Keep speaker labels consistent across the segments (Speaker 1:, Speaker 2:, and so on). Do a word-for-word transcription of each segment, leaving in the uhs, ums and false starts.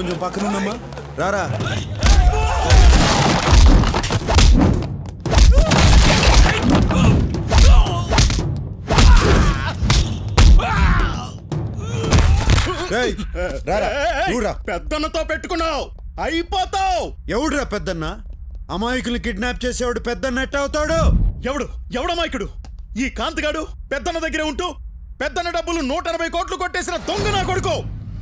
Speaker 1: కొంచెం పక్కనున్నమ్మా రారా.
Speaker 2: పెద్దన్నతో పెట్టుకున్నావు అయిపోతావు.
Speaker 1: ఎవడురా పెద్దన్న? అమాయకుల్ని కిడ్నాప్ చేసేవాడు పెద్దన్న ఎట్ట అవుతాడు?
Speaker 2: ఎవడు ఎవడమాయకుడు? ఈ కాంతిగాడు పెద్దన్న దగ్గరే ఉంటూ పెద్దన్న డబ్బులు నూట ఎనభై కోట్లు కొట్టేసిన దొంగ నా కొడుకు.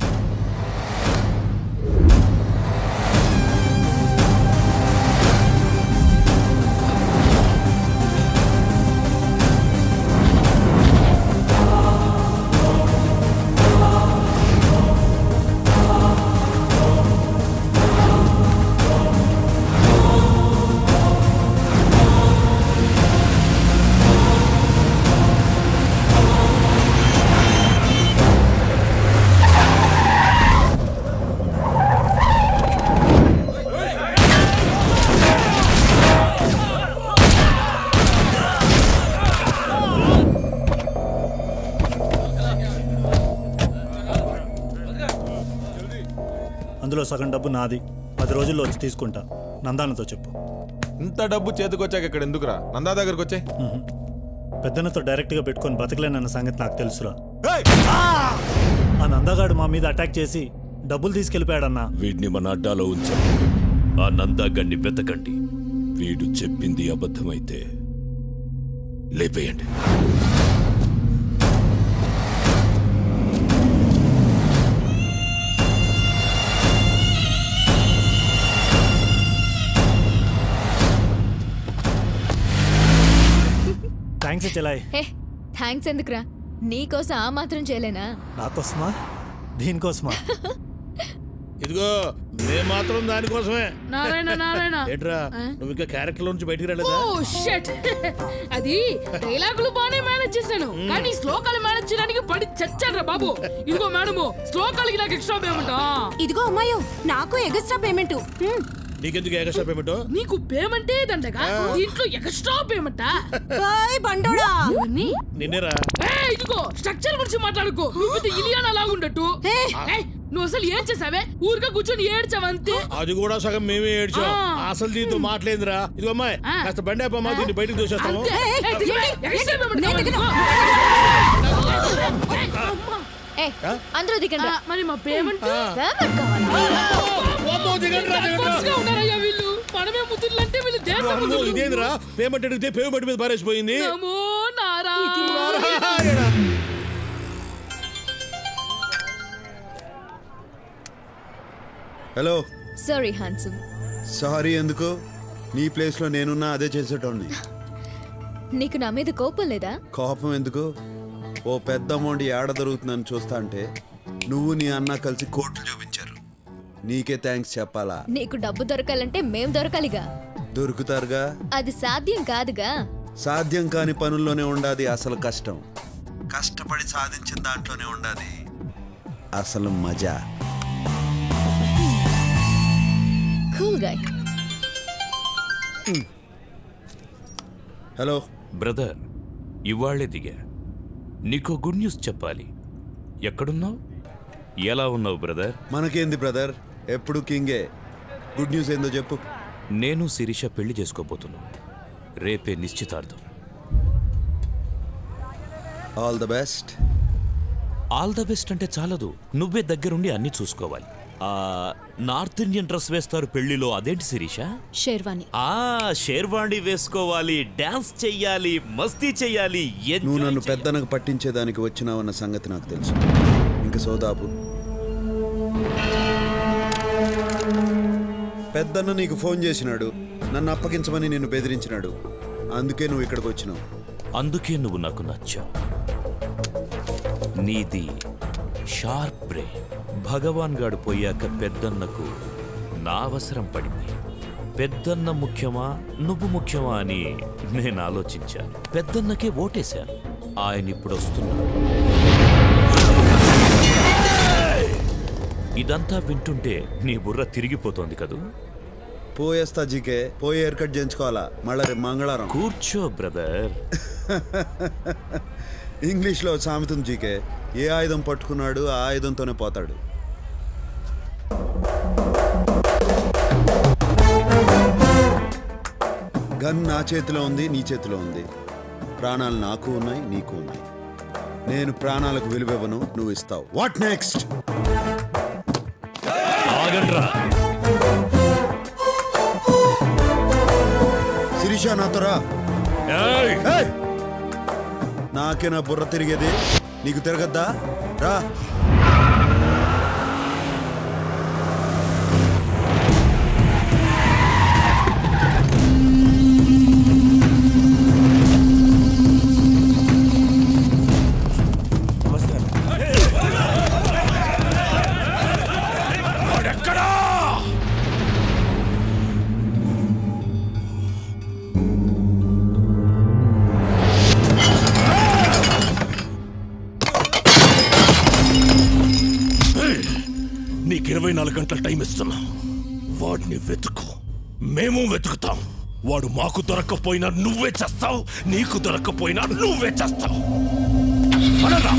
Speaker 3: అందులో సగం డబ్బు నాది, పది రోజుల్లో వచ్చి తీసుకుంటా. నందానతో చెప్పు.
Speaker 4: ఇంత డబ్బు చేతికొచ్చాక ఇక్కడ ఎందుకురా? నందా దగ్గరకు వచ్చే.
Speaker 3: పెద్దన్నతో డైరెక్ట్గా పెట్టుకొని బతకలేనన్న సంగతి నాకు తెలుసురా. ఆ నందగాడు మా మీద అటాక్ చేసి డబ్బులు తీసుకెళ్ళిపోయాడన్నా.
Speaker 5: వీడిని మన అడ్డాలో ఉంచాం. ఆ నందాగడ్ని వెతకండి. వీడు చెప్పింది అబద్ధమైతే లేపేయండి.
Speaker 3: థ్యాంక్స్ చెలాయ్.
Speaker 6: హే థ్యాంక్స్ ఎందుకురా? నీకోసం ఆ మాత్రం చేయలేనా?
Speaker 3: నాకోసమా? దీనికోసమా?
Speaker 2: ఇదిగో మేము మాత్రం దానికోసమే.
Speaker 7: నారాయణ నారాయణ
Speaker 2: ఏంట్రా నువ్వు ఇంకా క్యారెక్టర్ నుంచి బయటికి రాలేదా?
Speaker 7: Oh shut. అది డైలాగులు బానే మేనేజ్ చేశాను, కానీ శ్లోకాలు మేనేజ్ చేయడానికి పడి చచ్చాడ్రా బాబు. ఇదిగో మేడము, శ్లోకాలకి నాకు ఎక్స్ట్రా పేమెంట్.
Speaker 6: ఇదిగో అమ్మాయో, నాకు ఎగస్ట్రా పేమెంట్.
Speaker 2: నీకెందుకు ఎక్స్ట్రా పేమెంట్?
Speaker 7: నీకు పేమెంటే దండగా, దీంట్లో ఎక్స్ట్రా పేమెంటా?
Speaker 6: బండోడా
Speaker 2: నిన్నేరా.
Speaker 7: ఇదిగో స్ట్రక్చర్ గురించి మాట్లాడుకో. నువ్వు ఇలియానా లాగుండట్టు. నువ్వు అసలు ఏం చేసావే? ఊరిగా కూర్చొని ఏడ్చావంతే.
Speaker 2: అది కూడా సగం మేమే ఏడ్చాం. అసలు దీంతో మాట్లాడిందిరా. ఇదిగో అమ్మాయి కాస్త బండి అప్పమ్మా, దీన్ని బయటకు చూసేస్తాము.
Speaker 6: అందరూ దిగండి.
Speaker 7: మరి మా పేమెంట్ వీళ్ళు మనమే ముద్దులంటే వీళ్ళు దేశం.
Speaker 2: ఇదేంద్రా పేమెంట్ అడిగితే పేమెంట్ మీద పారేసిపోయింది.
Speaker 1: హలో.
Speaker 6: Sorry handsome.
Speaker 1: సారీ ఎందుకు? నీ ప్లేస్ లో నేనున్నా అదే చేసేటోండి.
Speaker 6: నీకు నా మీద కోపం లేదా?
Speaker 1: కోపం ఎందుకు? ఓ పెద్ద అమౌంట్ ఏడ దొరుకుతుందని చూస్తా అంటే నువ్వు నీ అన్న కలిసి కోట్లు చూపించారు. నీకే థ్యాంక్స్ చెప్పాలా?
Speaker 6: నీకు డబ్బు దొరకాలంటే మేం దొరకాలిగా.
Speaker 1: దొరుకుతారుగా.
Speaker 6: అది సాధ్యం కాదుగా.
Speaker 1: సాధ్యం కాని పనుల్లోనే ఉండాది అసలు కష్టం. కష్టపడి సాధించిన దాంట్లోనే ఉండాది అసలు మజా.
Speaker 6: Cool guy.
Speaker 1: హలో
Speaker 5: బ్రదర్, ఇవాళ్లే దిగా. నీకో గుడ్ న్యూస్ చెప్పాలి. ఎక్కడున్నావు? ఎలా ఉన్నావు బ్రదర్?
Speaker 1: మనకేంది బ్రదర్, ఎప్పుడు కింగే. గుడ్ న్యూస్ ఏందో చెప్పు.
Speaker 5: నేను శిరీష పెళ్లి చేసుకోబోతున్నాను. రేపే నిశ్చితార్థం.
Speaker 1: All the best.
Speaker 5: All the best అంటే చాలదు, నువ్వే దగ్గరుండి అన్ని చూసుకోవాలి. ఆ నార్త్ ఇండియన్ డ్రెస్ వేస్తారు పెళ్లిలో, అదేంటి శిరీష?
Speaker 6: షేర్వాణి.
Speaker 5: ఆ షేర్వాణి వేసుకోవాలి, డాన్స్ చెయ్యాలి, మస్తీ చెయ్యాలి.
Speaker 1: నువ్వు నన్ను పెద్దనకు పట్టించేదానికి వచ్చినావన్న సంగతి నాకు తెలుసు. ఇంక సోదాపు. పెద్దన్న నీకు ఫోన్ చేసినాడు, నన్ను అప్పగించమని నిన్ను బెదిరించినాడు. అందుకే నువ్వు ఇక్కడికి వచ్చినావు.
Speaker 5: అందుకే నువ్వు నాకు నచ్చావు. నీది షార్ప్ బ్రెయిన్. భగవాన్ గాడు పోయాక పెద్దన్నకు నా అవసరం పడింది. పెద్దన్న ముఖ్యమా నువ్వు ముఖ్యమా అని నేను ఆలోచించాను. పెద్దన్నకే ఓటేశాను. ఆయన ఇప్పుడు వస్తున్నాడు. ఇదంతా వింటుంటే నీ బుర్ర తిరిగిపోతోంది కదూ?
Speaker 1: పోయేస్తా జీకే. పోయి హెయిర్ కట్ చేయించుకోవాలా మళ్ళా రేపు మంగళవారం.
Speaker 5: కూర్చో బ్రదర్.
Speaker 1: ఇంగ్లీష్లో సామెతం జీకే, ఏ ఆయుధం పట్టుకున్నాడు ఆ ఆయుధంతోనే పోతాడు. గన్ నా చేతిలో ఉంది, నీ చేతిలో ఉంది. ప్రాణాలు నాకు ఉన్నాయి, నీకు ఉన్నాయి. నేను ప్రాణాలకు విలువివ్వను, నువ్వు ఇస్తావు. What next?
Speaker 5: ఆగండ్రా.
Speaker 1: శిరీష నాతో రా.
Speaker 5: ఏయ్!
Speaker 1: ఏయ్! నాకే నా బుర్ర తిరిగేది, నీకు తిరగద్దా? రా.
Speaker 8: నీకు ఇరవై నాలుగు గంటల టైం ఇస్తున్నా. వాడిని వెతుకు, మేము వెతుకుతాం. వాడు మాకు దొరక్కపోయినా నువ్వే చేస్తావు, నీకు దొరక్కపోయినా నువ్వే చేస్తావు. అనరా?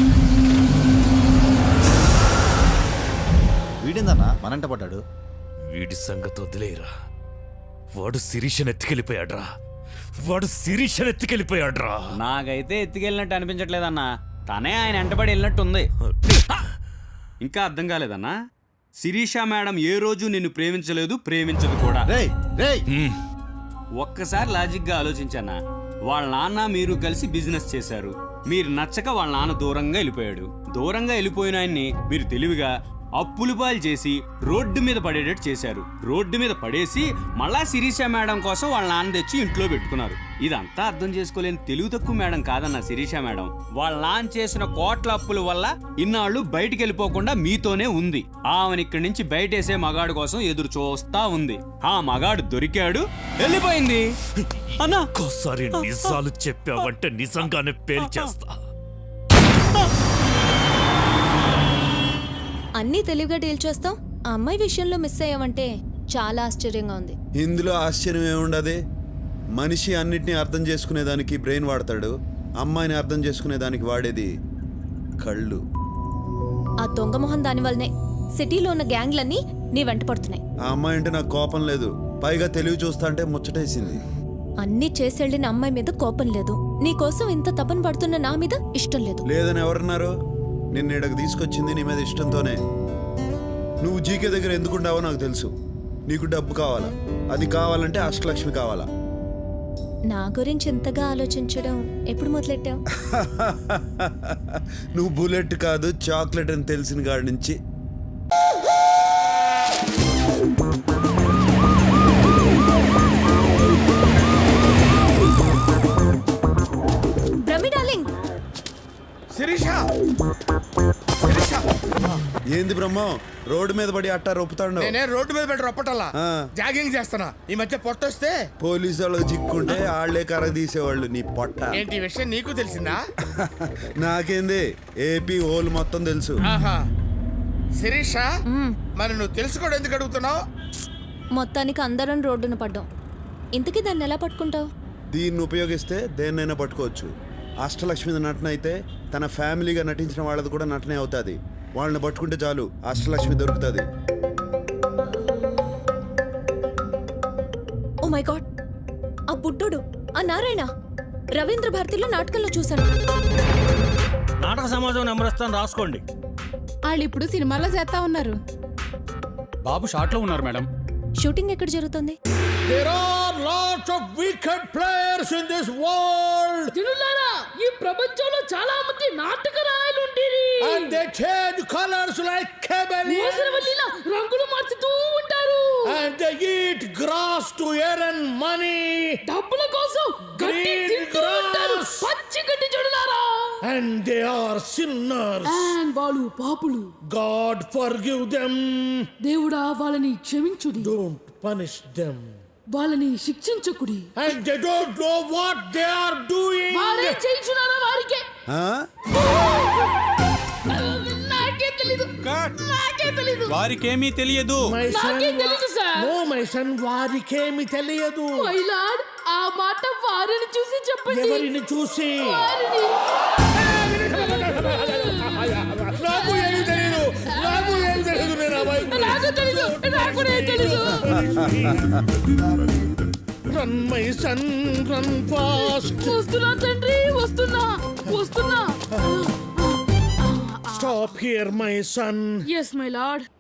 Speaker 9: వీడిందన్నా మనంట పడ్డాడు.
Speaker 5: వీడి సంగతి వదిలేరా. వాడు శిరీషను ఎత్తుకెళ్ళిపోయాడ్రా. వాడు శిరీషను ఎత్తుకెళ్ళిపోయాడ్రా.
Speaker 10: నాకైతే ఎత్తుకెళ్ళినట్టు అనిపించట్లేదన్నా. తనే ఆయన వెంటబడి వెళ్ళినట్టుంది. ఇంకా అర్థం కాలేదన్నా? శిరీష మేడం ఏ రోజు నిన్ను ప్రేమించలేదు, ప్రేమించదు కూడా.
Speaker 9: రేయ్ రేయ్
Speaker 10: ఒక్కసారి లాజిక్ గా ఆలోచించానా? వాళ్ళ నాన్న మీరు కలిసి బిజినెస్ చేశారు. మీరు నచ్చక వాళ్ళ నాన్న దూరంగా వెళ్ళిపోయాడు. దూరంగా వెళ్ళిపోయిన ఆయన్ని మీరు తెలివిగా అప్పులు పాలు చేసి రోడ్డు మీద పడేటట్టు చేశారు. రోడ్డు మీద పడేసి మళ్ళా శిరీష మేడం కోసం వాళ్ళ నాన్న తెచ్చి ఇంట్లో పెట్టుకున్నారు. ఇదంతా అర్థం చేసుకోలేని తెలుగు తక్కువ మేడం కాదన్న శిరీష మేడం. వాళ్ళ నాన్న చేసిన కోట్ల అప్పుల వల్ల ఇన్నాళ్ళు బయటికి వెళ్ళిపోకుండా మీతోనే ఉంది. ఆమెను ఇక్కడి నుంచి బయటేసే మగాడు కోసం ఎదురు చూస్తా ఉంది. ఆ మగాడు దొరికాడు, వెళ్ళిపోయింది. అన్నా
Speaker 5: ఒక్కోసారి నిజాలు చెప్పావంటే నిజంగానే పేల్చేస్తా.
Speaker 6: అన్నీ తెలివిగా డీల్ చేస్తాం. ఆ అమ్మాయి విషయంలో మిస్ అయ్యావంటే చాలా ఆశ్చర్యంగా ఉంది.
Speaker 1: ఇందులో ఆశ్చర్యం ఏముండదు. మనిషి అన్నిటినీ అర్థం చేసుకునేదానికి బ్రెయిన్ వాడతాడు, అమ్మాయిని అర్థం చేసుకునేదానికి వాడేది కళ్ళు.
Speaker 6: ఆ దొంగ మొహం దాని వల్లనే సిటీలో ఉన్న గ్యాంగ్లన్నీ నీ వెంట పడుతున్నాయి.
Speaker 1: ఆ అమ్మాయి అంటే నాకు కోపం లేదు, పైగా తెలివి చూస్తా అంటే ముచ్చటేసింది.
Speaker 6: అన్నీ చేసెళ్ళిన అమ్మాయి మీద కోపం లేదు, నీ కోసం ఇంత తపన పడుతున్న నా మీద ఇష్టం లేదు.
Speaker 1: లేదని ఎవరన్నారు? నిన్ను ఇక్కడికి తీసుకొచ్చింది నీ మీద ఇష్టంతోనే. నువ్వు జీకే దగ్గర ఎందుకుంటావో నాకు తెలుసు. నీకు డబ్బు కావాలా, అది కావాలంటే అష్టలక్ష్మి కావాలా.
Speaker 6: నా గురించి ఇంతగా ఆలోచించడం ఎప్పుడు మొదలెట్టావు?
Speaker 1: నువ్వు బుల్లెట్ కాదు చాక్లెట్ అని తెలిసిన కాడి నుంచి.
Speaker 6: బ్రహ్మి డార్లింగ్.
Speaker 2: శిరీష, శిరీష,
Speaker 1: ఏంది బ్రహ్మం రోడ్డు మీద పడి అట్టా రొప్పుతాడు?
Speaker 2: నేనే రోడ్డు మీద పెట్టి రొప్పటల్లా
Speaker 1: ఆ.
Speaker 2: జాగింగ్ చేస్తున్నా. ఈ మధ్య పొట్టొస్తే
Speaker 1: పోలీసు వాళ్ళకి చిక్కుంటే ఆళ్లే కర్ర తీసేవాళ్ళు. నీ పొట్ట
Speaker 2: ఏంటి ఈ విషయం నీకు తెలిసిందా?
Speaker 1: నాకేంది, ఏపీ హోల్ మొత్తం తెలుసు.
Speaker 2: ఆహా. శిరీష, మరి నువ్వు తెలుసుకోవడం ఎందుకు అడుగుతున్నావు?
Speaker 6: మొత్తానికి అందరం రోడ్డున పడ్డాం. ఇంతకీ దాన్ని ఎలా పట్టుకుంటావు?
Speaker 1: దీన్ని ఉపయోగిస్తే దేన్నైనా పట్టుకోవచ్చు. అష్టలక్ష్మి నటన అయితే తన ఫ్యామిలీగా నటించిన వాళ్ళది కూడా నటనే అవుతుంది. వాళ్ళని పట్టుకుంటే చాలు, అష్టలక్ష్మి దొరుకుతుంది.
Speaker 6: ఓ మై గాడ్, ఆ బుడ్డోడు, ఆ నారాయణ రవీంద్ర భారతిలో నాటకంలో చూశాను.
Speaker 3: నాటక సమాజం నెంబర్ ఇస్తాను, రాసుకోండి.
Speaker 7: వాళ్ళు ఇప్పుడు సినిమాలో చేస్తా ఉన్నారు.
Speaker 10: బాబు షార్ట్ లో ఉన్నారు మేడం.
Speaker 6: షూటింగ్ ఎక్కడ జరుగుతుంది?
Speaker 2: There are lots of wicked players in this world
Speaker 7: జనులారా, ఈ ప్రపంచంలో చాలా మంది నాటక రాయలు ఉండేరి.
Speaker 2: and they change colors like chameleons
Speaker 7: మోసరవల్లిలా రంగులు మార్చుతూ ఉంటారు.
Speaker 2: and they eat grass to earn money
Speaker 7: డబ్బుల కోసం గడ్డి
Speaker 2: Green
Speaker 7: తింటూ ఉంటారు.
Speaker 2: grass.
Speaker 7: పచ్చి గడ్డి జనులారా.
Speaker 2: and they are sinners.
Speaker 7: And వాళ్ళు పాపులు.
Speaker 2: God forgive them,
Speaker 7: దేవుడా వాళ్ళని క్షమించుడి,
Speaker 2: don't punish them.
Speaker 7: వాళ్ళని శిక్షించకుడి.
Speaker 2: And they don't know what they are doing.
Speaker 7: వారే చేయించున్నారా వారికే?
Speaker 1: ఆ?
Speaker 7: నాకే తెలీదు, నాకే తెలీదు,
Speaker 10: వారికేమీ తెలియదు.
Speaker 2: My son,
Speaker 7: నాకే తెలీదు సార్.
Speaker 2: no my son, వారికేమి తెలియదు.
Speaker 7: మై లార్డ్, ఆ మాట వారిని చూసి చెప్పండి.
Speaker 2: ఎవరిని చూసి?
Speaker 7: వారిని.
Speaker 2: నాకు ఏమి తెలియదు, నాకు ఏమి తెలియదు. నేను అబ్బాయి
Speaker 7: నాకు తెలీదు, నాకు తెలీదు.
Speaker 2: నా
Speaker 8: run my son run fast.
Speaker 7: వస్తున్నా తండ్రి వస్తున్నా వస్తున్నా
Speaker 8: stop here my son.
Speaker 7: Yes my lord